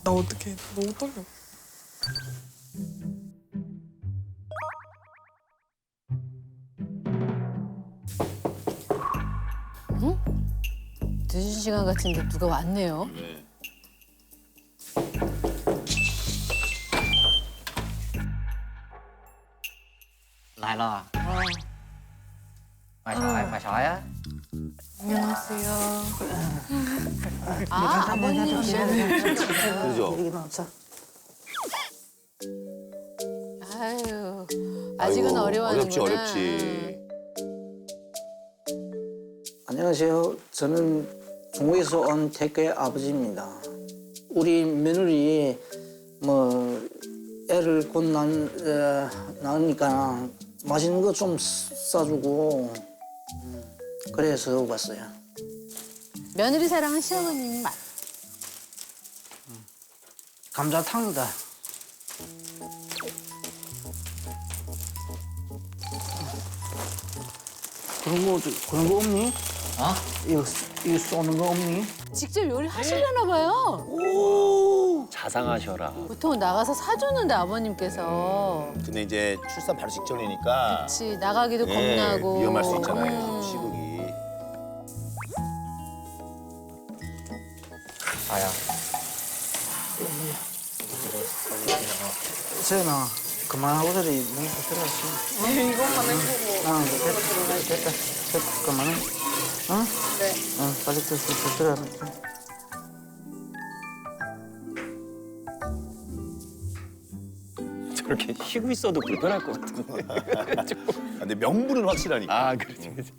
나 어떡해. 너무 떨려. 늦은 시간 같은데 누가 왔네요. lại rồi. Mày sỏi á. 안녕하세요. 아, 아버님이시네. 그죠? 아유, 아직은 아이고, 어려워하는구나. 어렵지. 안녕하세요. 저는 중국에서 온 태교의 아버지입니다. 우리 며느리 뭐 애를 곧 낳으니까 맛있는 거 좀 싸주고 그래서 왔어요. 며느리 사랑은 시어머님 맛. 감자탕이다. 그런 거 없니? Hả? 이거 쏘는 거 없니? 직접 요리하시려나 봐요. 자상하셔라. 보통 나가서 사주는데 아버님께서. 근데 이제 출산 바로 직전이니까 그치, 나가기도 예, 겁나고. 위험할 수 있잖아요. 시국이. Rồi à. 세연아, 그만하고 저리 너무 들어갔어. 이것만 해보고. 됐다. 그만해. 어? 네. 빨리 들어가. 저렇게 쉬고 있어도 불편할 것 같은데. 아, 근데 명분은 확실하니까. 아, 그렇지, 그렇지.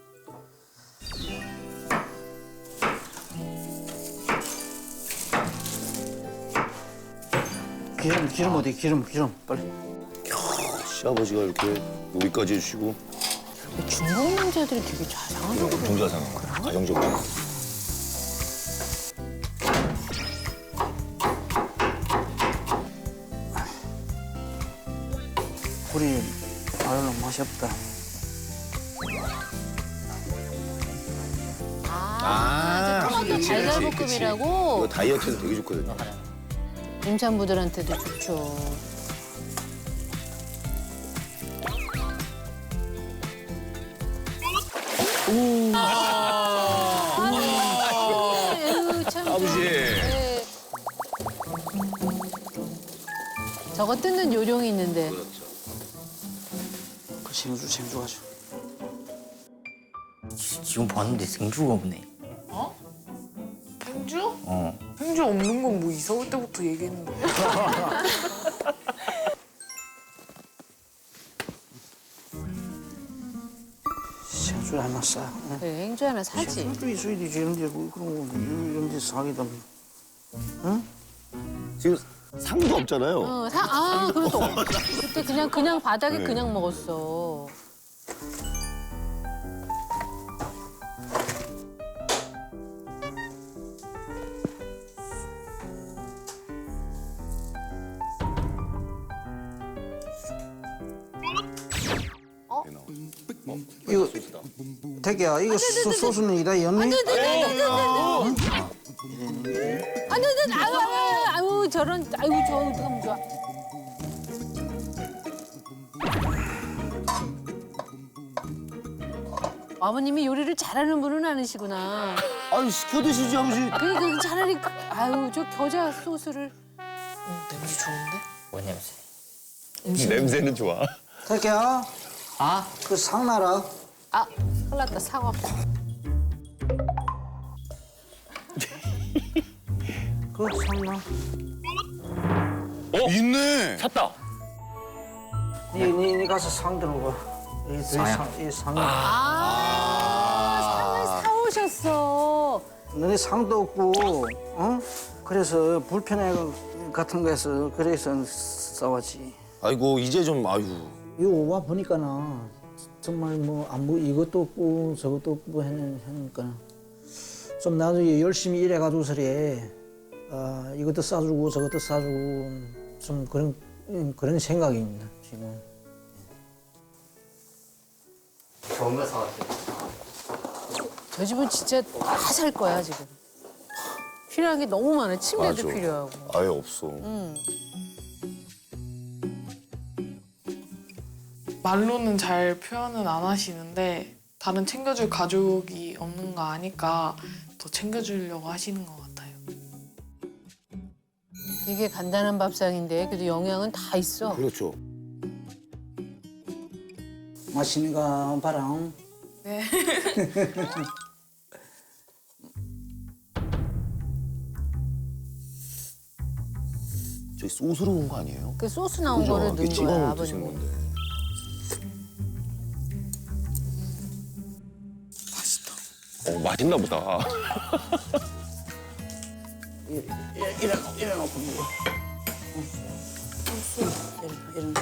기름 어디? 기름 빨리. 시아버지가 이렇게 요리까지 해주시고 중국 남자들이 되게 자상하다. 엄청 자상해. 가정적으로. 우리 아유 맛이 없다. 아, 저 토마토 그치, 그치, 달걀볶음이라고 이거 다이어트에도 되게 좋거든요. 임산부들한테도 좋죠. 아유, 참. 아버지. 네. 저거 뜯는 요령이 있는데. 그 생주 가져. 지금 봤는데 생주가 없네. 행주? 어. 행주 없는 건 뭐 이사 올 때부터 얘기했는데. 생주 하나 싸. 응? 네, 행주 하나 사지. 생주 있어야 되지. 이런데 뭐 그런 거 이런데 사기다. 응? 지금 상도 없잖아요. 그래도 그때 그냥 바닥에 그냥 먹었어. 이거 태기야 이거 소스는 이다 였니? 아유, 저런, 아유, 저 어떡하면 좋아. 아버님이 요리를 잘하는 분은 아니시구나. 아니 시켜 드시지 아버지. 그러니까 차라리, 아유, 저 겨자 소스를. 냄새 좋은데? Ủa 냄새. 냄새는 좋아. 태기야 Hả? 그 상나라. 아, 큰일 났다, 사과. 그 상나. 있네. 찾다. 니 가서 상 들어봐. 이 상. 상을 사오셨어. 너네 상도 없고, 어? 그래서 불편해 같은 거에서 그래서 싸웠지. 아이고 이제 좀 아유. 이거 와 보니까나 정말 뭐 아무 이것도 없고 저것도 없고 하니까 좀 나도 열심히 일해가지고 서래 이것도 싸주고 저것도 싸주고 좀 그런 생각입니다 지금. 좋은 거 사왔어. 저 집은 진짜 다 살 거야, 지금. 필요한 게 너무 많아. 침대도 맞아. 필요하고. 아예 없어. 말로는 잘 표현은 안 하시는데 다른 챙겨줄 가족이 없는 거 아니까 더 챙겨주려고 하시는 것 같아요. 이게 간단한 밥상인데 그래도 영양은 다 있어. 그렇죠. 맛있는 거 봐라. 네. 저기 소스로 온 거 아니에요? 그 소스 나온 그죠? 거를 이렇게 넣은 찍어 거야, 먹 드시는 아버님. 건데. 맛있나 보다. 이래놓고 먹어. 이래.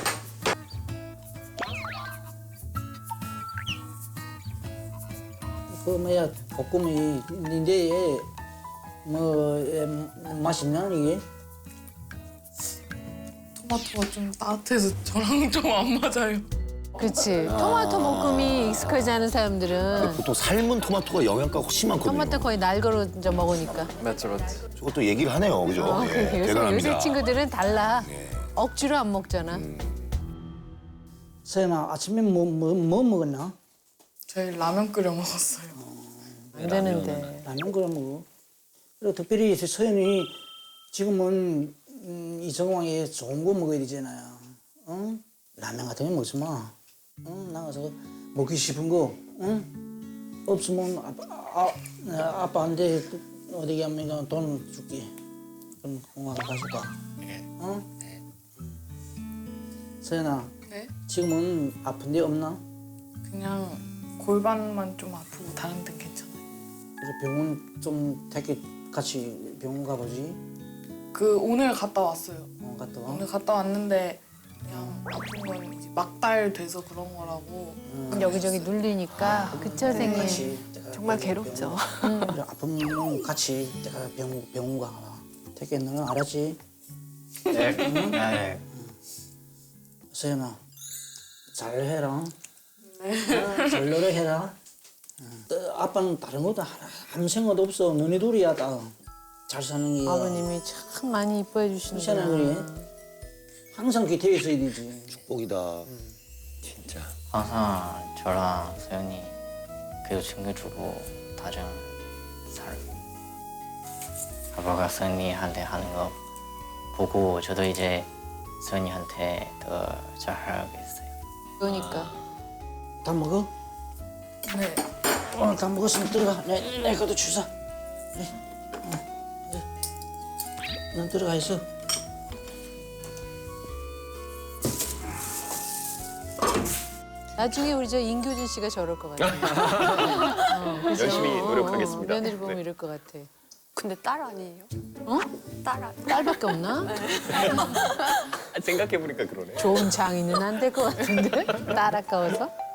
그 뭐야 볶음이 이제 뭐 맛있나 이게? 토마토가 좀 따뜻해서 저랑 좀 안 맞아요. 그치. 토마토 볶음이 익숙하지 않은 사람들은 보통 삶은 토마토가 영양가가 훨씬 많거든요. 토마토 거의 날 걸어 먹으니까. 맞죠, 맞죠. 저것도 얘기를 하네요, 그죠? 예, 그러니까 요새 대단합니다. 친구들은 달라. 예. 억지로 안 먹잖아. 서연아 아침에 뭐 먹었나? 저희 라면 끓여 먹었어요. 안 되는데. 라면 끓여 먹어. 그리고 특별히 서연이 지금은 이 정황에 좋은 거 먹어야 되잖아요. 응? 라면 같은 거 먹지 마. 응? 나가서 먹기 싶은 거, 응? 없으면 아빠한테 어디 가면 돈 줄게. 그럼 공항 가져가. 응? 서연아, 네? 지금은 아픈 데 없나? 그냥 골반만 좀 아프고 다른 데는 괜찮아요. 그래서 병원 좀 되게 같이 병원 가보지. 그 오늘 갔다 왔어요. 갔다 와. 오늘 갔다 왔는데 그냥 아픈 건 이제 막달 돼서 그런 거라고. 여기저기 눌리니까. 그쵸, 선생님? 같이 정말 괴롭죠. 그래, 아프면 같이 내가 병원 가. 되게 너는 알았지? 네. 네. 서연아, 잘해라. 네. 잘 노력해라. 아빠는 다른 것도 아무 생각도 없어. 너네 둘이야 다. 잘 사는 게. 아버님이 참 많이 이뻐해 괜찮아 주시는구나. 그래. 항상 곁에 있어야 되지. 축복이다. 진짜. 항상 저랑 서연이 그래도 챙겨주고 다정 살. 아빠가 서연이한테 하는 거 보고 저도 이제 서연이한테 더 잘하겠어요. 그러니까. 다 먹어? 네. 오늘 다 먹었으면 들어가. 내 것도 주사. 넌 들어가 있어. 나중에 우리 저 인교준 씨가 저럴 것 같아. 그죠? 열심히 노력하겠습니다. 며느리 보면 네. 이럴 것 같아. 근데 딸 아니에요? 어? 딸 딸밖에 없나? 생각해보니까 그러네. 좋은 장인은 안 될 것 같은데? 딸 아까워서?